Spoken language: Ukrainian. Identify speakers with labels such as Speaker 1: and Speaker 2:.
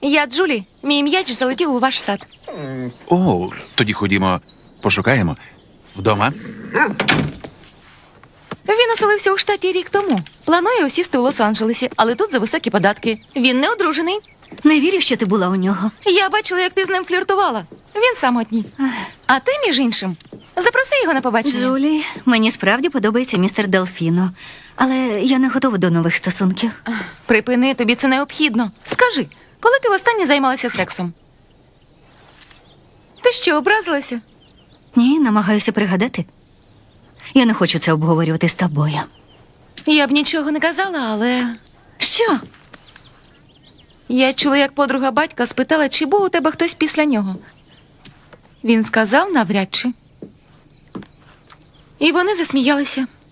Speaker 1: Я Джулі. Мій м'яч залетів у ваш сад.
Speaker 2: О, тоді ходімо, пошукаємо. Вдома?
Speaker 1: Він оселився у штаті рік тому. Планує осісти у Лос-Анджелесі, але тут за високі податки. Він не одружений.
Speaker 3: Не вірю, що ти була у нього.
Speaker 1: Я бачила, як ти з ним фліртувала. Він самотній. А ти, між іншим, запроси його на побачення.
Speaker 3: Джулі, мені справді подобається містер Делфіно. Але я не готова до нових стосунків.
Speaker 1: Припини, тобі це необхідно. Скажи, коли ти востаннє займалася сексом? Ти що, образилася?
Speaker 3: Ні, намагаюся пригадати. Я не хочу це обговорювати з тобою.
Speaker 1: Я б нічого не казала, але
Speaker 3: Що?
Speaker 1: я чула, як подруга батька спитала, чи був у тебе хтось після нього. Він сказав навряд чи. І вони засміялися.